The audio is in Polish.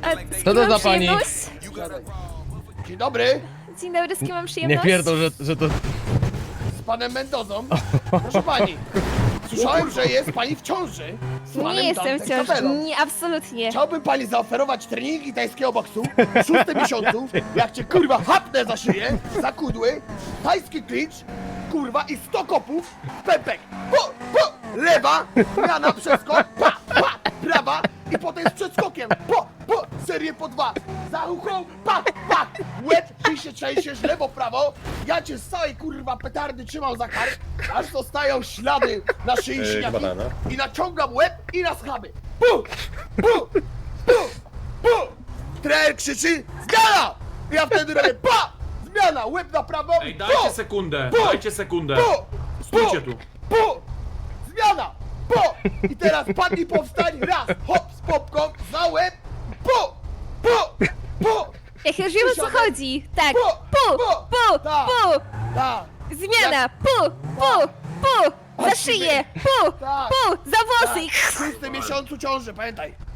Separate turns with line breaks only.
Co to za pani?
Dzień dobry,
Dzień dobry, z kim mam
Nie
przyjemność?
pierdol, że to...
z panem Mendozą. Proszę pani, słyszałem, że jest pani w ciąży z panem
Nie jestem w
Dantem
ciąży,
Capello.
nie, absolutnie.
Chciałbym pani zaoferować treningi tajskiego boksu w 6 miesiącu, jak cię kurwa hapnę za szyję, za kudły, tajski clinch, kurwa i 100 kopów, pępek, lewa, zmiana, przeskok, prawa i potem z przeskokiem, serię po 2, za uchą, łeb, ty się trzęsiesz, lewo, prawo, ja cię z całej kurwa petardy trzymam za kark, aż zostają ślady na szyi siniaki i naciągam łeb i na schaby. Trener krzyczy, zmiana! I ja wtedy robię, zmiana, łeb na prawo,
Ej, dajcie sekundę, dajcie sekundę. Stójcie tu.
Zmiana, i teraz padnij, powstań, raz, hop, z popką, za łeb,
Jak już wiem, o co
Przysiadek.
chodzi. Tak,
Tak. tak,
zmiana, za szyję,
Tak.
za włosy.
w 6 miesiącu ciąży, pamiętaj.